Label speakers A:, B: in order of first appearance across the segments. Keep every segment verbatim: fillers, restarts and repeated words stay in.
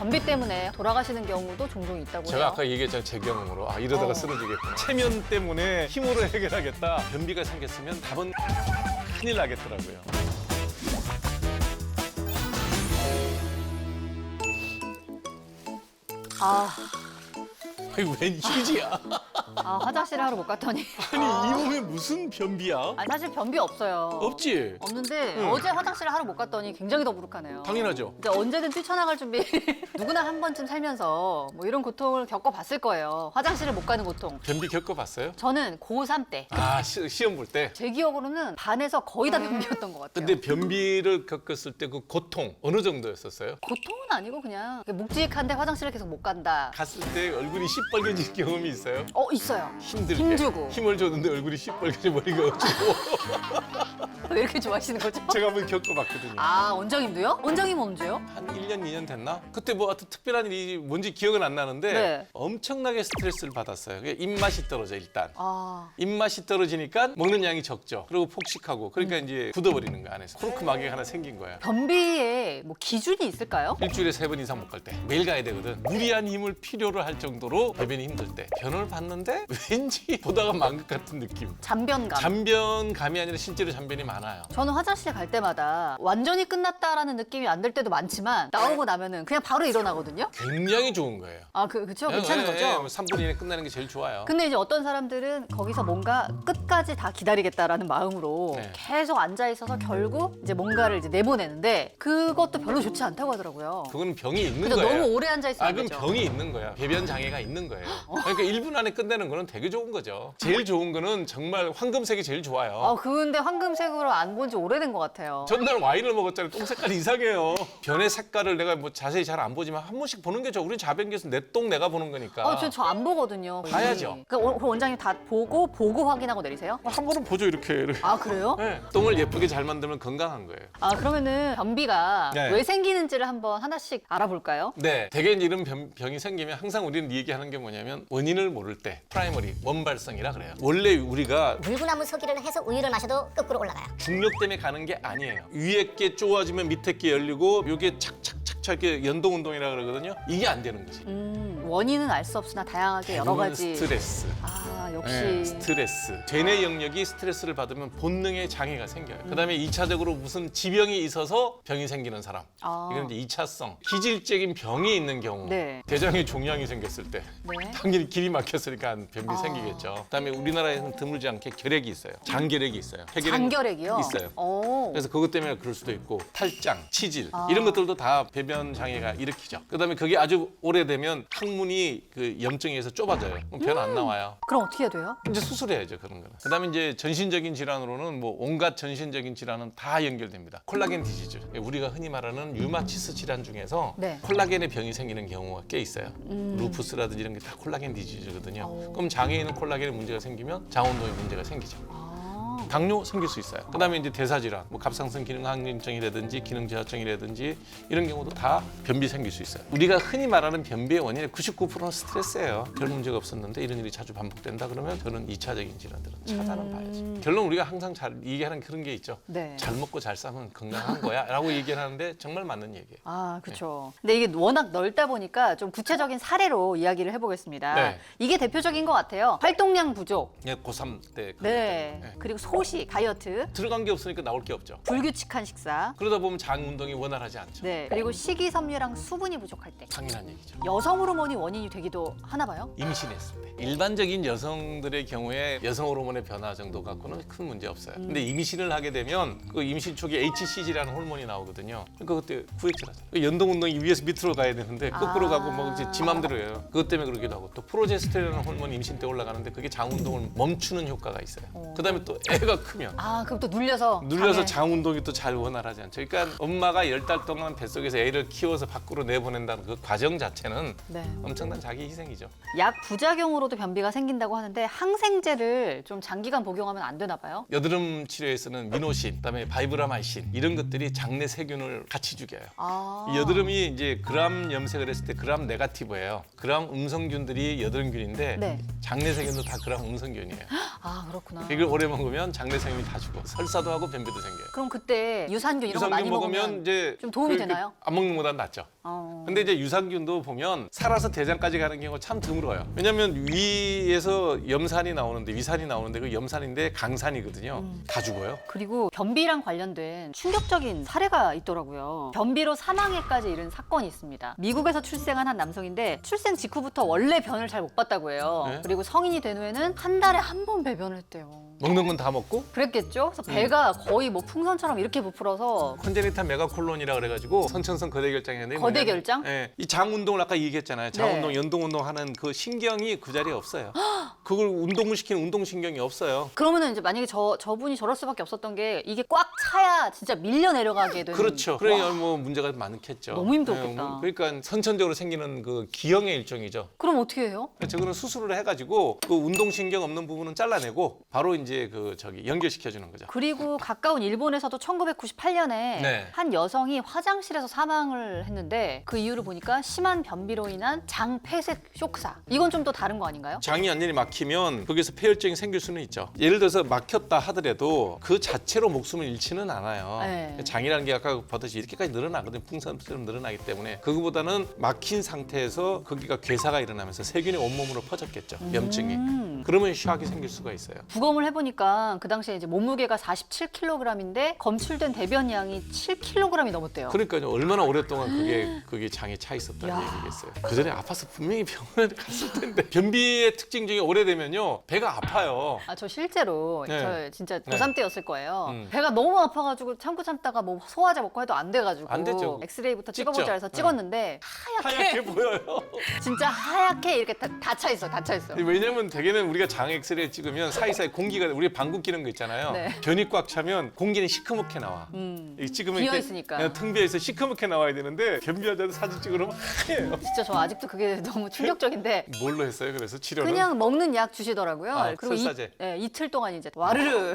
A: 변비 때문에 돌아가시는 경우도 종종 있다고
B: 제가
A: 해요.
B: 아까 얘기했잖아요. 제 경험으로. 아, 이러다가
A: 어.
B: 쓰러지겠구나. 체면 때문에 힘으로 해결하겠다. 변비가 생겼으면 답은 큰일 나겠더라고요.
A: 아,
B: 아니, 웬 휴지야?
A: 아 화장실에 하러 못 갔더니.
B: 아니, 이 몸에 무슨 변비야?
A: 아니, 사실 변비 없어요.
B: 없지?
A: 없는데
B: 응.
A: 어제 화장실에 하러 못 갔더니 굉장히 더부룩하네요.
B: 당연하죠.
A: 이제 언제든 뛰쳐나갈 준비. 누구나 한 번쯤 살면서 뭐 이런 고통을 겪어봤을 거예요. 화장실을 못 가는 고통.
B: 변비 겪어봤어요?
A: 저는 고삼 때.
B: 아, 시, 시험 볼 때?
A: 제 기억으로는 반에서 거의 다 변비였던 것 같아요.
B: 근데 변비를 겪었을 때 그 고통 어느 정도였었어요?
A: 고통은 아니고 그냥 묵직한데 화장실을 계속 못 간다.
B: 갔을 때 얼굴이 시뻘개진 경험이 있어요?
A: 어 있어요.
B: 힘들게.
A: 힘주고.
B: 힘을 줬는데 얼굴이 시뻘개져 머리가 어쩌고.
A: 왜 이렇게 좋아하시는 거죠?
B: 제가 한번 겪어봤거든요.
A: 아 원장님도요? 원장님 언제요?
B: 한 일 년, 이 년 됐나? 그때 뭐 하여튼 특별한 일이 뭔지 기억은 안 나는데
A: 네. 엄청나게
B: 스트레스를 받았어요. 그게 입맛이 떨어져 일단.
A: 아
B: 입맛이 떨어지니까 먹는 양이 적죠. 그리고 폭식하고 그러니까
A: 음.
B: 이제 굳어버리는 거야 안에서. 코르크 마개가 하나 생긴 거야.
A: 변비에 뭐 기준이 있을까요?
B: 일주일에 세 번 이상 못 갈 때 매일 가야 되거든. 무리한 힘을 필요로 할 정도로 배변이 힘들 때 변을 봤는데 왠지 보다가 만 것 같은 느낌.
A: 잔변감.
B: 잔변감이 아니라 실제로 잔변이 많아요.
A: 저는 화장실 갈 때마다 완전히 끝났다라는 느낌이 안 들 때도 많지만 나오고 나면은 그냥 바로 일어나거든요.
B: 굉장히 좋은 거예요.
A: 아 그 그쵸 괜찮은
B: 예, 예,
A: 거죠?
B: 삼 분 이내 끝나는 게 제일 좋아요.
A: 근데 이제 어떤 사람들은 거기서 뭔가 끝까지 다 기다리겠다라는 마음으로
B: 네.
A: 계속 앉아 있어서 결국 이제 뭔가를 이제 내보내는데 그것도 별로 좋지 않다고 하더라고요.
B: 그건 병이 있는
A: 그죠?
B: 거예요.
A: 너무 오래 앉아 있으면
B: 아,
A: 안
B: 그럼
A: 되죠.
B: 병이 있는 거야. 배변 장애가 있는 거예요. 그러니까 일 분 안에 끝내는 거는 되게 좋은 거죠. 제일 좋은 거는 정말 황금색이 제일 좋아요.
A: 아 근데 황금색으로 안 본 지 오래된 것 같아요.
B: 전날 와인을 먹었잖아요. 똥 색깔이 이상해요. 변의 색깔을 내가 뭐 자세히 잘 안 보지만 한 번씩 보는 게 좋아. 우리 자변기에서 내 똥 내가 보는 거니까.
A: 아, 저 안 보거든요.
B: 봐야죠.
A: 그 원- 그 원장님 다 보고 보고 확인하고 내리세요?
B: 한 번은 보죠 이렇게. 이렇게.
A: 아 그래요?
B: 네. 똥을 예쁘게 잘 만들면 건강한 거예요.
A: 아 그러면은 변비가
B: 네.
A: 왜 생기는지를 한번 하나씩 알아볼까요?
B: 네, 대개 이런 병, 병이 생기면 항상 우리는 얘기하는 게 뭐냐면 원인을 모를 때 프라이머리 원발성이라 그래요. 원래 우리가
C: 물구나무 서기를 해서 우유를 마셔도 거꾸로 올라가요.
B: 중력 때문에 가는 게 아니에요. 위에 게 좁아지면 밑에 게 열리고 이게 착착착착 이렇게 연동 운동이라 그러거든요. 이게 안 되는 거지.
A: 음, 원인은 알 수 없으나 다양하게 여러
B: 대부분
A: 가지.
B: 스트레스.
A: 아 역시.
B: 네, 스트레스. 죄내 영역이 스트레스를 받으면 본능의 장애가 생겨요. 그다음에 이 차적으로 무슨 지병이 있어서 병이 생기는 사람.
A: 아.
B: 이건 이제 이 차성. 기질적인 병이 있는 경우.
A: 네.
B: 대장에 종양이 생겼을 때.
A: 네.
B: 당연히 길이 막혔으니까 변비
A: 아.
B: 생기겠죠. 그다음에 우리나라에는 드물지 않게 결핵이 있어요. 장결핵이 있어요. 폐결핵
A: 장결핵이요?
B: 있어요.
A: 오.
B: 그래서 그것 때문에 그럴 수도 있고 탈장, 치질
A: 아.
B: 이런 것들도 다 배변 장애가 일으키죠. 그다음에 그게 아주 오래되면 항문이 그 염증에 의해서 좁아져요. 그럼 변 안 나와요.
A: 그럼 어떻게 해야 돼요?
B: 이제 수술해야죠 그런 거는. 그다음에 이제 전신적인 질환으로는 뭐 온갖 전신적인 질환은 다 연결됩니다. 콜라겐 디지즈. 우리가 흔히 말하는 류마티스 질환 중에서
A: 네.
B: 콜라겐의 병이 생기는 경우가 꽤 있어요. 루푸스라든지 이런 게 다 콜라겐 디지즈거든요.
A: 오.
B: 그럼 장에 있는 콜라겐에 문제가 생기면 장운동에 문제가 생기죠.
A: 아.
B: 당뇨 생길 수 있어요. 그다음에 이제 대사질환, 뭐 갑상선 기능 항진증이라든지 기능 저하증이라든지 이런 경우도 다 변비 생길 수 있어요. 우리가 흔히 말하는 변비의 원인의 구십구 퍼센트는 스트레스예요. 별 문제가 없었는데 이런 일이 자주 반복된다 그러면 저는 이 차적인 질환들은 차단은
A: 음.
B: 봐야지. 결론 우리가 항상 잘 얘기하는 그런 게 있죠.
A: 네.
B: 잘 먹고 잘 싸면 건강한 거야라고 얘기를 하는데 정말 맞는 얘기예요.
A: 아, 그렇죠. 근데 이게 워낙 넓다 보니까 좀 구체적인 사례로 이야기를 해보겠습니다.
B: 네.
A: 이게 대표적인 것 같아요. 활동량 부족,
B: 예, 고삼 때 그것
A: 네,
B: 때문에. 예.
A: 그리고 소식, 다이어트,
B: 들어간 게 없으니까 나올 게 없죠.
A: 불규칙한 식사,
B: 그러다 보면 장 운동이 원활하지 않죠.
A: 네, 그리고 식이섬유랑 수분이 부족할 때.
B: 당연한 얘기죠.
A: 여성 호르몬이 원인이 되기도 하나 봐요?
B: 임신했을 때 일반적인 여성들의 경우에 여성 호르몬의 변화 정도 갖고는 큰 문제 없어요. 근데 임신을 하게 되면 그 임신 초기에 에이치씨지라는 호르몬이 나오거든요. 그러니까 그때 구획질하잖아요. 그 연동 운동이 위에서 밑으로 가야 되는데 거꾸로
A: 아.
B: 가고 뭐 이제 지 맘대로 해요. 그것 때문에 그러기도 하고 또 프로제스테론이라는 호르몬이 임신 때 올라가는데 그게 장 운동을 멈추는 효과가 있어요. 그다음에 또 애가 크면
A: 아, 그럼 또 눌려서.
B: 눌려서
A: 장애.
B: 장 운동이 또 잘 원활하지 않죠. 그러니까 엄마가 열 달 동안 뱃속에서 애를 키워서 밖으로 내보낸다는 그 과정 자체는
A: 네.
B: 엄청난 자기 희생이죠.
A: 약 부작용으로도 변비가 생긴다고 하는데 항생제를 좀 장기간 복용하면 안 되나 봐요?
B: 여드름 치료에서는 미노신, 그다음에 바이브라마이신 이런 것들이 장내 세균을 같이 죽여요.
A: 아.
B: 이 여드름이 이제 그람 염색을 했을 때 그람 네가티브예요. 그람 음성균들이 여드름균인데
A: 네.
B: 장내 세균도 다 그람 음성균이에요.
A: 아, 그렇구나.
B: 이걸 오래 먹으면 장내생이 다 죽어. 설사도 하고 변비도 생겨요.
A: 그럼 그때 유산균 이런 거 많이
B: 유산균 먹으면,
A: 먹으면
B: 이제
A: 좀 도움이
B: 그-
A: 되나요?
B: 그 안 먹는 것보다 낫죠.
A: 어.
B: 근데 이제 유산균도 보면 살아서 대장까지 가는 경우가 참 드물어요. 왜냐하면 위에서 염산이 나오는데 위산이 나오는데 그 염산인데 강산이거든요.
A: 음.
B: 다 죽어요.
A: 그리고 변비랑 관련된 충격적인 사례가 있더라고요. 변비로 사망에까지 이른 사건이 있습니다. 미국에서 출생한 한 남성인데 출생 직후부터 원래 변을 잘 못 봤다고 해요.
B: 네?
A: 그리고 성인이 된 후에는 한 달에 한 번 배변을 했대요.
B: 먹는 건 다 먹고
A: 그랬겠죠? 그래서 배가 거의 뭐 풍선처럼 이렇게 부풀어서
B: 콘제니탈 메가콜론이라 그래가지고 선천성 거대결장이었는데
A: 거대
B: 뭐냐면,
A: 결장?
B: 예, 이 장 운동을 아까 얘기했잖아요. 장
A: 네.
B: 운동, 연동 운동 하는 그 신경이 그 자리에 없어요. 그걸 운동을 시키는 운동 신경이 없어요.
A: 그러면은 이제 만약에 저 저분이 저럴 수밖에 없었던 게 이게 꽉 차야 진짜 밀려 내려가게 되는.
B: 그렇죠. 그러니 뭐 문제가 많겠죠.
A: 너무 힘들었겠다.
B: 예, 뭐 그러니까 선천적으로 생기는 그 기형의 일종이죠.
A: 그럼 어떻게 해요?
B: 저거는 수술을 해가지고 그 운동 신경 없는 부분은 잘라내고 바로 이제 그 저기 연결시켜주는 거죠.
A: 그리고 가까운 일본에서도 천구백구십팔 년에
B: 네.
A: 한 여성이 화장실에서 사망을 했는데 그 이유를 보니까 심한 변비로 인한 장 폐색 쇼크사. 이건 좀 또 다른 거 아닌가요?
B: 장이 완전히 막히면 거기서 폐혈증이 생길 수는 있죠. 예를 들어서 막혔다 하더라도 그 자체로 목숨을 잃지는 않아요.
A: 네.
B: 장이라는 게 아까 보듯이 이렇게까지 늘어나거든요. 풍선처럼 늘어나기 때문에 그거보다는 막힌 상태에서 거기가 괴사가 일어나면서 세균이 온몸으로 퍼졌겠죠. 염증이.
A: 음.
B: 그러면 샤악이 생길 수가 있어요.
A: 부검을 해보니까 그 당시에 이제 몸무게가 사십칠 킬로그램인데 검출된 대변량이 칠 킬로그램이 넘었대요.
B: 그러니까요. 얼마나 오랫동안 그게 그게 장에 차 있었다는
A: 야.
B: 얘기겠어요. 그 전에 아파서 분명히 병원에 갔을 텐데 변비의 특징 중에 오래되면요 배가 아파요.
A: 아, 저 실제로
B: 네.
A: 저 진짜 고삼 때였을 거예요.
B: 음.
A: 배가 너무 아파가지고 참고 참다가 뭐 소화제 먹고 해도 안 돼가지고
B: 안 되죠.
A: 엑스레이부터
B: 찍죠.
A: 찍어보자 해서
B: 네.
A: 찍었는데 하얗게,
B: 하얗게 보여요.
A: 진짜 하얗게 이렇게 다 차 있어, 다 차 있어.
B: 왜냐면 대개는 우리가 장 엑스레이 찍으면 사이사이 공기가 우리 방구 끼는 거 있잖아요.
A: 네.
B: 변이 꽉 차면 공기는 시커멓게 나와.
A: 음.
B: 이 찍으면
A: 비어
B: 이렇게
A: 있으니까.
B: 그냥 텅 비어 있어 시커멓게 나와야 되는데 변비 환자들 사진 찍으면 하얘요.
A: 진짜 저 아직도 그게 너무 충격적인데
B: 뭘로 했어요? 그래서 치료는
A: 그냥 먹는 약 주시더라고요.
B: 아,
A: 그리고
B: 설사제.
A: 이, 예, 이틀 동안 이제 와르르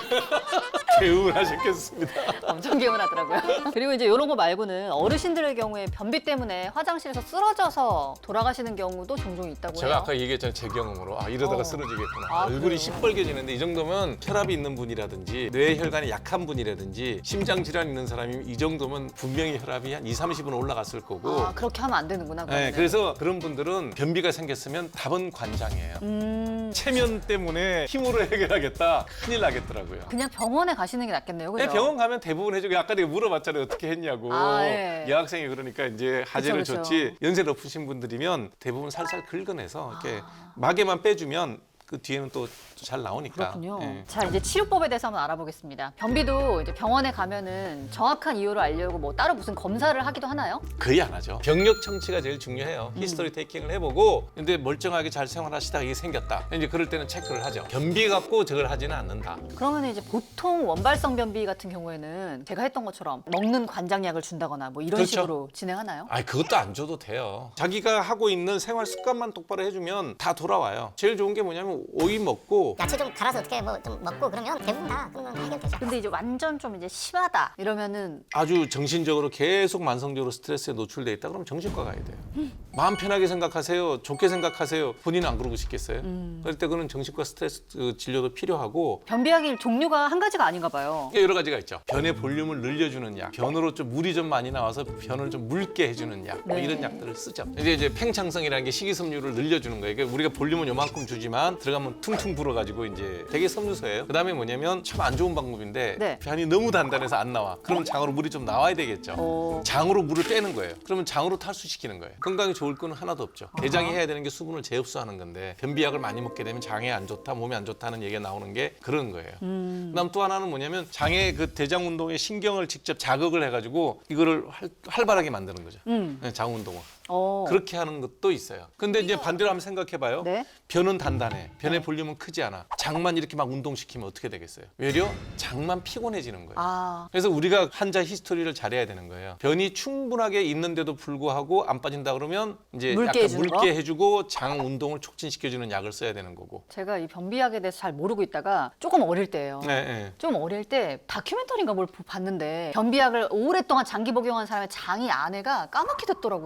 B: 개운하셨겠습니다.
A: 엄청 개운하더라고요. 그리고 이제 이런 거 말고는 어르신들의 경우에 변비 때문에 화장실에서 쓰러져서 돌아가시는 경우도 종종 있다고
B: 제가
A: 해요.
B: 아까 얘기했잖아요. 제 경험으로 아 이러다가
A: 어.
B: 쓰러지겠구나.
A: 아,
B: 얼굴이
A: 그래요?
B: 시뻘개지는데 이 정도면 혈압이 있는 분이라든지 뇌혈관이 약한 분이라든지 심장 질환 있는 사람이 이 정도면 분명히 혈압이 한 이삼십은 올라갔을 거고.
A: 아, 그렇게 하면 안 되는구나.
B: 네,
A: 그러면은.
B: 그래서 그런 분들은 변비가 생겼으면 답은 관장이에요.
A: 음,
B: 체면 때문에 힘으로 해결하겠다. 큰일 나겠더라고요.
A: 그냥 병원에 가시는 게 낫겠네요. 그죠?
B: 네, 병원 가면 대부분 해주고 아까 내가 물어봤잖아요. 어떻게 했냐고.
A: 아, 예.
B: 여학생이 그러니까 이제 하재를
A: 그쵸, 그쵸.
B: 줬지. 연세 높으신 분들이면 대부분 살살 긁어내서 이렇게
A: 아.
B: 마개만 빼주면 그 뒤에는 또 잘 나오니까.
A: 그렇군요.
B: 예.
A: 자, 이제 치료법에 대해서 한번 알아보겠습니다. 변비도 이제 병원에 가면은 정확한 이유를 알려고 뭐 따로 무슨 검사를 하기도 하나요?
B: 거의 안 하죠. 병력 청취가 제일 중요해요.
A: 음.
B: 히스토리 테이킹을 해보고 근데 멀쩡하게 잘 생활하시다가 이게 생겼다. 이제 그럴 때는 체크를 하죠. 변비 갖고 저걸 하지는 않는다.
A: 그러면 이제 보통 원발성 변비 같은 경우에는 제가 했던 것처럼 먹는 관장약을 준다거나 뭐 이런
B: 그렇죠.
A: 식으로 진행하나요?
B: 아니 그것도 안 줘도 돼요. 자기가 하고 있는 생활 습관만 똑바로 해주면 다 돌아와요. 제일 좋은 게 뭐냐면 오이 먹고
C: 야채 좀 갈아서 어떻게 뭐 좀 먹고 그러면 대부분 다 그러면 해결되죠.
A: 근데 이제 완전 좀 이제 심하다 이러면은
B: 아주 정신적으로 계속 만성적으로 스트레스에 노출돼 있다 그러면 정신과 가야 돼요. 마음 편하게 생각하세요. 좋게 생각하세요. 본인은 안 그러고 싶겠어요? 그럴 때 그는 정신과 스트레스 그 진료도 필요하고
A: 변비약이 종류가 한 가지가 아닌가 봐요.
B: 여러 가지가 있죠. 변의 볼륨을 늘려주는 약, 변으로 좀 물이 좀 많이 나와서 변을 좀 묽게 해주는 약, 뭐
A: 네.
B: 이런 약들을 쓰죠. 이제 이제 팽창성이라는 게 식이섬유를 늘려주는 거예요. 그러니까 우리가 볼륨은 요만큼 주지만 들어가면 퉁퉁 불어가지고 이제 되게 섬유소예요. 그다음에 뭐냐면 참 안 좋은 방법인데
A: 네.
B: 변이 너무 단단해서 안 나와. 그러면 장으로 물이 좀 나와야 되겠죠.
A: 어.
B: 장으로 물을 빼는 거예요. 그러면 장으로 탈수시키는 거예요. 건강에 좋을 거는 하나도 없죠. 대장이 해야 되는 게 수분을 재흡수하는 건데 변비약을 많이 먹게 되면 장에 안 좋다, 몸에 안 좋다는 얘기가 나오는 게 그런 거예요.
A: 음.
B: 그다음 또 하나는 뭐냐면 장의 그 대장 운동에 신경을 직접 자극을 해가지고 이거를 활, 활발하게 만드는 거죠.
A: 음.
B: 네, 장 운동을.
A: 어.
B: 그렇게 하는 것도 있어요. 근데 이제 반대로 한번 생각해봐요.
A: 네.
B: 변은 단단해. 변의 볼륨은 크지 않아. 장만 이렇게 막 운동시키면 어떻게 되겠어요? 외려 장만 피곤해지는 거예요.
A: 아.
B: 그래서 우리가 환자 히스토리를 잘해야 되는 거예요. 변이 충분하게 있는데도 불구하고 안 빠진다 그러면 이제
A: 묽게
B: 약간
A: 해주는
B: 묽게
A: 거?
B: 해주고 장 운동을 촉진시켜주는 약을 써야 되는 거고.
A: 제가 이 변비약에 대해서 잘 모르고 있다가 조금 어릴 때예요.
B: 네, 네.
A: 좀 어릴 때 다큐멘터리인가 뭘 봤는데 변비약을 오랫동안 장기 복용한 사람의 장이 안에가 까맣게 됐더라고요.
B: 그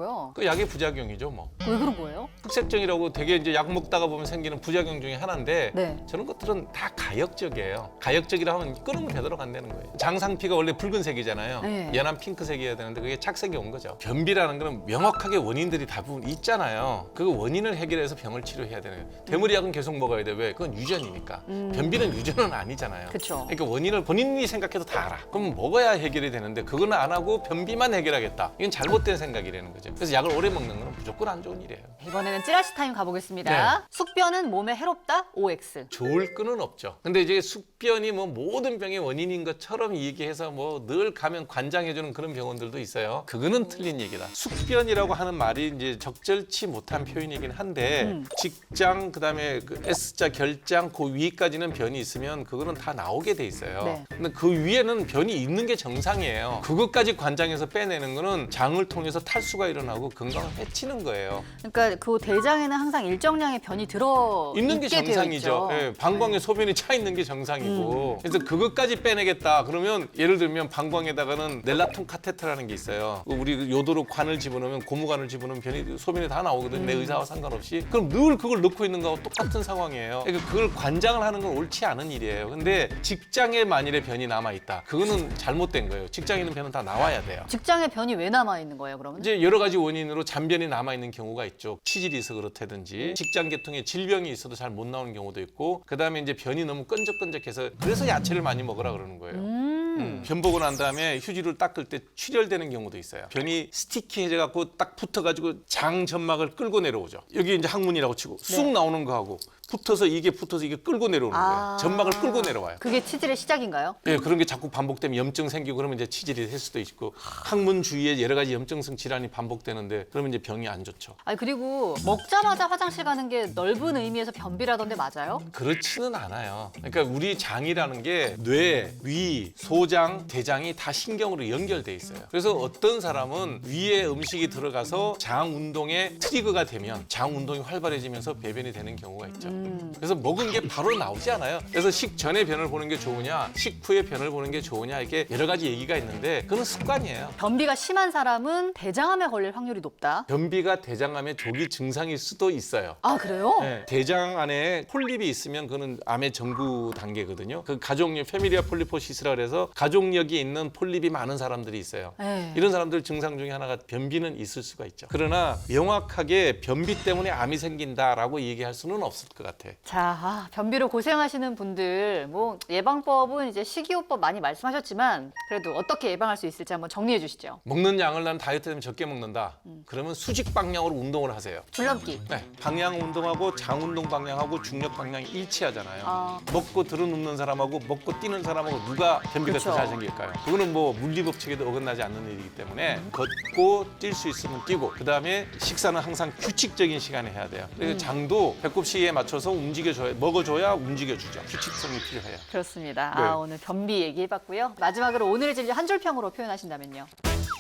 B: 약의 부작용이죠, 뭐.
A: 왜 그런 거예요?
B: 흑색증이라고 되게 이제 약 먹다가 보면 생기는 부작용 중에 하나인데
A: 네.
B: 저런 것들은 다 가역적이에요. 가역적이라 하면 끓으면 되도록 간다는 거예요. 장상피가 원래 붉은색이잖아요.
A: 네.
B: 연한 핑크색이어야 되는데 그게 착색이 온 거죠. 변비라는 거는 명확하게 원인들이 대부분 있잖아요. 그 원인을 해결해서 병을 치료해야 되는 거예요. 대물약은 계속 먹어야 돼. 왜? 그건 유전이니까.
A: 음.
B: 변비는 유전은 아니잖아요.
A: 그쵸.
B: 그러니까 원인을 본인이 생각해도 다 알아. 그럼 먹어야 해결이 되는데 그거는 안 하고 변비만 해결하겠다. 이건 잘못된 생각이라는 거죠. 그래서 약을 오래 먹는 건 무조건 안 좋은 일이에요.
A: 이번에는 찌라시 타임 가보겠습니다.
B: 네.
A: 숙변은 몸에 해롭다? 오엑스.
B: 좋을 끈은 없죠. 근데 이제 숙변이 뭐 모든 병의 원인인 것처럼 얘기해서 뭐 늘 가면 관장해주는 그런 병원들도 있어요. 그거는 틀린 얘기다. 숙변이라고 하는 말이 이제 적절치 못한 표현이긴 한데
A: 음.
B: 직장 그다음에 그 S자 결장 그 위까지는 변이 있으면 그거는 다 나오게 돼 있어요.
A: 네.
B: 근데 그 위에는 변이 있는 게 정상이에요. 그것까지 관장해서 빼내는 거는 장을 통해서 탈수가 일어나고 건강을 해치는 거예요.
A: 그러니까 그 대장에는 항상 일정량의 변이 들어
B: 있는 게
A: 있게 되어
B: 정상이죠.
A: 있죠.
B: 예, 방광에 소변이 차 있는 게 정상이고. 그래서 그것까지 빼내겠다. 그러면 예를 들면 방광에다가는 넬라톤 카테터라는 게 있어요. 우리 요도로 관을 집어넣으면 고무관을 집어넣으면 변이 소변이 다 나오거든. 내 의사와 상관없이. 그럼 늘 그걸 넣고 있는 거하고 똑같은 상황이에요. 그러니까 그걸 관장을 하는 건 옳지 않은 일이에요. 근데 직장에 만일에 변이 남아 있다. 그거는 잘못된 거예요. 직장에 있는 변은 다 나와야 돼요.
A: 직장에 변이 왜 남아 있는 거예요, 그러면?
B: 이제 여러 가지 원인으로 잔변이 남아 있는 경우가 있죠. 치질이 있어 그렇다든지 직장 계통에 질병이 있어도 잘 못 나오는 경우도 있고 그다음에 이제 변이 너무 끈적끈적해서 그래서 야채를 많이 먹으라 그러는 거예요.
A: 음.
B: 음, 변 보고 난 다음에 휴지를 닦을 때 출혈되는 경우도 있어요. 변이 스티키해져 갖고 딱 붙어 가지고 장 점막을 끌고 내려오죠. 여기 이제 항문이라고 치고 쑥
A: 네.
B: 나오는 거하고 붙어서 이게 붙어서 이게 끌고 내려오는
A: 아.
B: 거예요. 점막을 끌고 내려와요.
A: 그게 치질의 시작인가요?
B: 예, 그런 게 자꾸 반복되면 염증 생기고 그러면 이제 치질이 될 수도 있고 항문 주위에 여러 가지 염증성 질환이 반복되는데 그러면 이제 병이 안 좋죠.
A: 아니 그리고 먹자마자 화장실 가는 게 넓은 의미에서 변비라던데 맞아요?
B: 그렇지는 않아요. 그러니까 우리 장이라는 게 뇌, 위, 소장, 대장이 다 신경으로 연결돼 있어요. 그래서 어떤 사람은 위에 음식이 들어가서 장 운동에 트리거가 되면 장 운동이 활발해지면서 배변이 되는 경우가 있죠.
A: 음.
B: 그래서 먹은 게 바로 나오지 않아요. 그래서 식전에 변을 보는 게 좋으냐, 식후에 변을 보는 게 좋으냐 이게 여러 가지 얘기가 있는데 그건 습관이에요.
A: 변비가 심한 사람은 대장암에 걸릴 확률이 높다.
B: 변비가 대장암의 조기 증상일 수도 있어요.
A: 아 그래요?
B: 네, 대장 안에 폴립이 있으면 그는 암의 전구 단계거든요. 그 가족력 페미리아 폴리포시스라 그래서 가족력이 있는 폴립이 많은 사람들이 있어요.
A: 네.
B: 이런 사람들 증상 중에 하나가 변비는 있을 수가 있죠. 그러나 명확하게 변비 때문에 암이 생긴다라고 얘기할 수는 없을 것 같아.
A: 자, 아, 변비로 고생하시는 분들 뭐 예방법은 이제 식이요법 많이 말씀하셨지만 그래도 어떻게 예방할 수 있을지 한번 정리해 주시죠.
B: 먹는 양을 난 다이어트 되면 적게 먹는다. 그러면 수직 방향으로 운동을 하세요.
A: 줄넘기.
B: 네, 방향 운동하고 장 운동 방향하고 중력 방향이 일치하잖아요.
A: 아.
B: 먹고 들어눕는 사람하고 먹고 뛰는 사람하고 누가 변비가
A: 그쵸.
B: 더 잘생길까요? 그거는 뭐 물리법칙에도 어긋나지 않는 일이기 때문에 걷고 뛸 수 있으면 뛰고 그 다음에 식사는 항상 규칙적인 시간에 해야 돼요. 그래서
A: 음.
B: 장도 배꼽 시계에 맞춰서 움직여줘야 먹어줘야 움직여주죠. 규칙성이 필요해요.
A: 그렇습니다.
B: 네.
A: 아, 오늘 변비 얘기해봤고요. 마지막으로 오늘의 진료 한 줄 평으로 표현하신다면요.